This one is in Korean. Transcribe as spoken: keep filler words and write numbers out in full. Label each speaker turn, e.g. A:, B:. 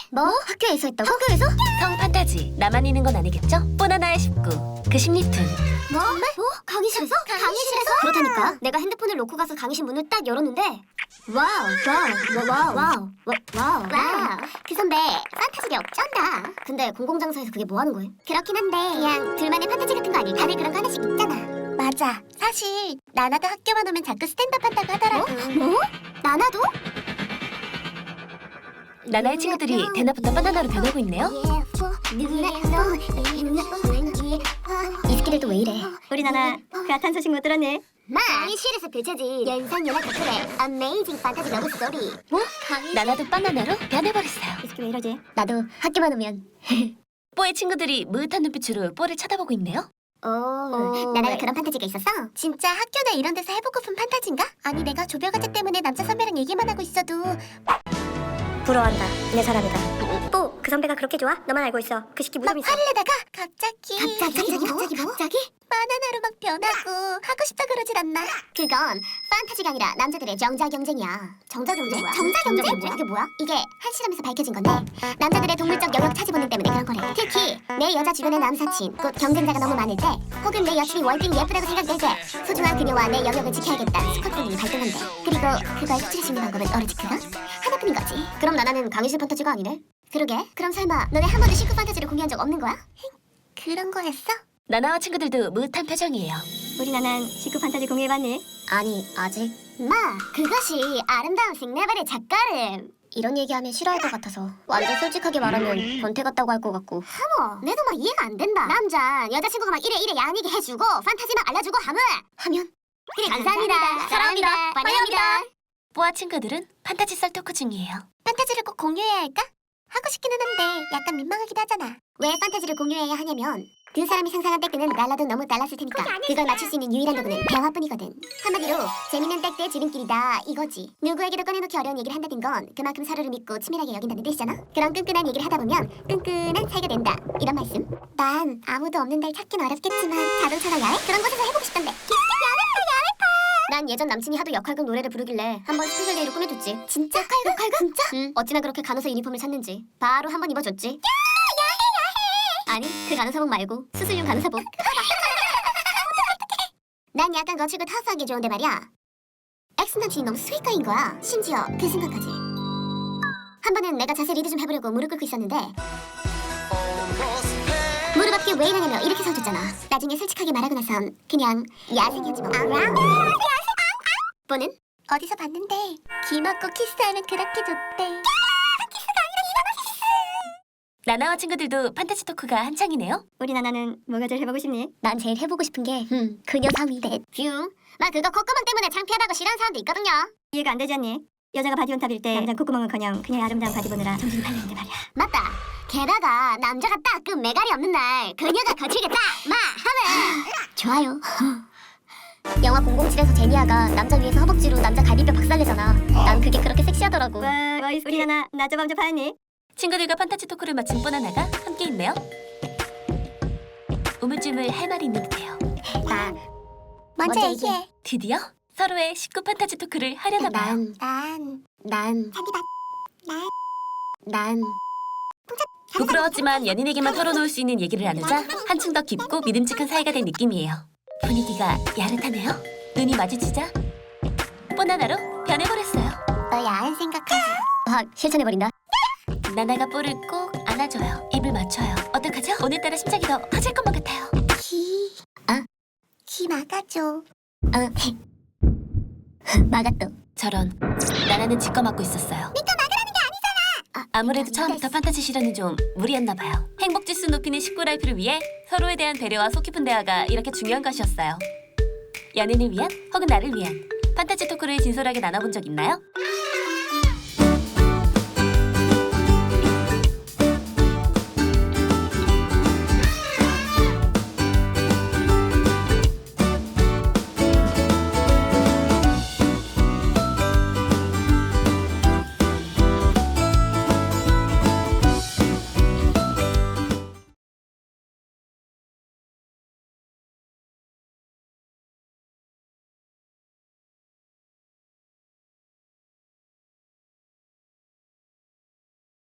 A: 뭐? 학교에서 했다고? 학교에서?
B: 성 판타지. 나만 있는 건 아니겠죠? 뽀나나의 십구. 그 심리툰.
A: 뭐? 뭐? 강의실에서? 강의실에서? 그렇다니까. 내가 핸드폰을 놓고 가서 강의실 문을 딱 열었는데 와우, 와우, 와우, 와우, 와우, 와우. 그 선배 판타지력 쩐다. 근데 공공장소에서 그게 뭐 하는 거예요? 그렇긴 한데 그냥 둘만의 판타지 같은 거 아니? 다들 그런 거 하나씩 있잖아. 맞아. 사실 나나도 학교만 오면 자꾸 스탠드업 한다고 하더라고. 뭐? 뭐? 나나도?
B: 나나의 친구들이 대낮부터 바나나로 변하고 있네요.
A: 이 새끼들도 왜 이래?
C: 우리 나나 그 핫한 소식 못 들었네.
A: 마! 강의실에서 펼쳐진 연상연하 커플의 어메이징 판타지 러브 스토리. 뭐? 강의?
B: 나나도 바나나로 변해버렸어요.
C: 이 새끼 왜 이러지?
A: 나도 학교만 오면
B: 뽀의 친구들이 무릇한 눈빛으로 뽀를 쳐다보고 있네요.
A: 오, 나나가 그런 판타지가 있었어? 진짜 학교나 이런 데서 해보고픈 판타지인가? 아니 내가 조별과제 때문에 남자 선배랑 얘기만 하고 있어도
C: 부러워한다. 내 사람이다. 또 그 선배가 그렇게 좋아? 너만 알고 있어. 그 새끼
A: 막
C: 무덤 있어.
A: 화를 내다가 갑자기 갑자기 뭐? 갑자기 뭐? 갑자기? 바나나로 막 변하고 하고 싶다 그러질 않나? 그건 판타지가 아니라 남자들의 정자 경쟁이야. 정자 경쟁 뭐야? 정자 경쟁? 그게 뭐야? 이게 한 실험에서 밝혀진 건데 남자들의 동물적 영역 차지 본능 때문에 그런 거래. 특히 내 여자 주변의 남사친, 곧 경쟁자가 너무 많을 때 혹은 내 여친이 월등 예쁘다고 생각될 때 소중한 그녀와 내 영역을 지켜야겠다 스쿼트 본능이 발동한대. 그리고 그걸 수출할 수 있는 방법은 오로지 그거? 하나뿐인 거지. 그럼 나나는 강의실 판타지가 아니네? 그러게. 그럼 설마 너네 한 번도 식구 판타지를 공유한 적 없는 거야? 그런 거였어?
B: 나나와 친구들도 무릇한 표정이에요.
C: 우리 나난 식구 판타지 공유해봤니?
A: 아니 아직. 마 그것이 아름다운 생네발의 작가름. 이런 얘기하면 싫어할 것 같아서 완전 솔직하게 말하면 변태 같다고 할 것 같고. 하모 내도 막 이해가 안 된다. 남자 여자친구가 막 이래 이래 양얘기 해주고 판타지 막 알려주고 하면 하면 그래 감사합니다. 사랑합니다. 환영합니다.
B: 뽀와 친구들은 판타지 썰 토크 중이에요.
A: 판타지를 꼭 공유해야 할까? 하고 싶기는 한데 약간 민망하기도 하잖아. 왜 판타지를 공유해야 하냐면 그 사람이 상상한 백대는 달라도 너무 달랐을 테니까 그걸 맞출 수 있는 유일한 도구는 대화뿐이거든. 한마디로 재밌는 백대 지름길이다 이거지. 누구에게도 꺼내놓기 어려운 얘기를 한다는 건 그만큼 서로를 믿고 치밀하게 여긴다는 뜻이잖아. 그런 끈끈한 얘기를 하다 보면 끈끈한 사이가 된다 이런 말씀. 난 아무도 없는 날 찾긴 어렵겠지만 자동차나 야외? 그런 곳에서 해보고 싶던데. 난 예전 남친이 하도 역할극 노래를 부르길래 한번 스페셜 데이로 꾸며줬지. 진짜? 역할극? 역할극? 진짜? 응. 어찌나 그렇게 간호사 유니폼을 샀는지 바로 한번 입어줬지. 야! 야해 야해! 아니 그 간호사복 말고 수술용 간호사복. 난 약간 거칠고 타프하게 좋은데 말이야. 엑스 남친이 너무 스윗가인 거야. 심지어 그 순간까지. 한 번은 내가 자세 리드 좀 해보려고 무릎 꿇고 있었는데 무릎 앞에 왜 이러냐며 이렇게 서줬잖아. 나중에 솔직하게 말하고 나선 그냥 야생이지 뭐. 뽀는? 어디서 봤는데 귀 막고 키스하면 그렇게 좋대.
B: 나나와 친구들도 판타지 토크가 한창이네요.
C: 우리 나나는 뭐가 제일 해보고 싶니?
A: 난 제일 해보고 싶은 게 음, 그녀 삼위대. 뷰. 나 그거 콧구멍 때문에 창피하다고 싫어하는 사람도 있거든요.
C: 이해가 안 되지 않니? 여자가 바디온탑일 때 남자 콧구멍은커녕 그녀의 아름다운 바디 보느라 정신이 팔리는데 말이야.
A: 맞다. 게다가 남자가 딱 그 매갈이 없는 날 그녀가 거칠겠다 마 하면 좋아요. 영화 공공칠에서 제니아가 남자 위에서 허벅지로 남자 갈비뼈 박살내잖아. 난 그게 그렇게 섹시하더라고.
C: 와, 와 우리 나나 나저밤저 파였니?
B: 친구들과 판타지 토크를 마친 뽀나나가 함께 있네요. 우물쭈물 할 말이 있는 듯해요.
A: 나 먼저 얘기해.
B: 드디어 서로의 식구 판타지 토크를 하려나 봐요.
A: 난, 난, 난, 잔디밭, 난, 난.
B: 부끄러웠지만 연인에게만 털어놓을 수 있는 얘기를 나누자 한층 더 깊고 믿음직한 사이가 된 느낌이에요. 분위기가 야릇하네요. 눈이 마주치자 뽀나나로 변해버렸어요.
A: 너 야한 생각하지. 확 실천해버린다.
B: 나나가 뽀를 꼭 안아줘요. 입을 맞춰요. 어떡하죠? 오늘따라 심장이 더 터질 것만 같아요.
A: 키, 아, 키 막아줘. 어, 막았어.
B: 저런, 나나는 지꺼 맞고 있었어요.
A: 니가 막으라는 게 아니잖아.
B: 아무래도 처음부터 판타지 실현이 좀 무리였나 봐요. 행복 지수 높이는 식구 라이프를 위해 서로에 대한 배려와 속 깊은 대화가 이렇게 중요한 것이었어요. 연인을 위한 혹은 나를 위한 판타지 토크를 진솔하게 나눠본 적 있나요?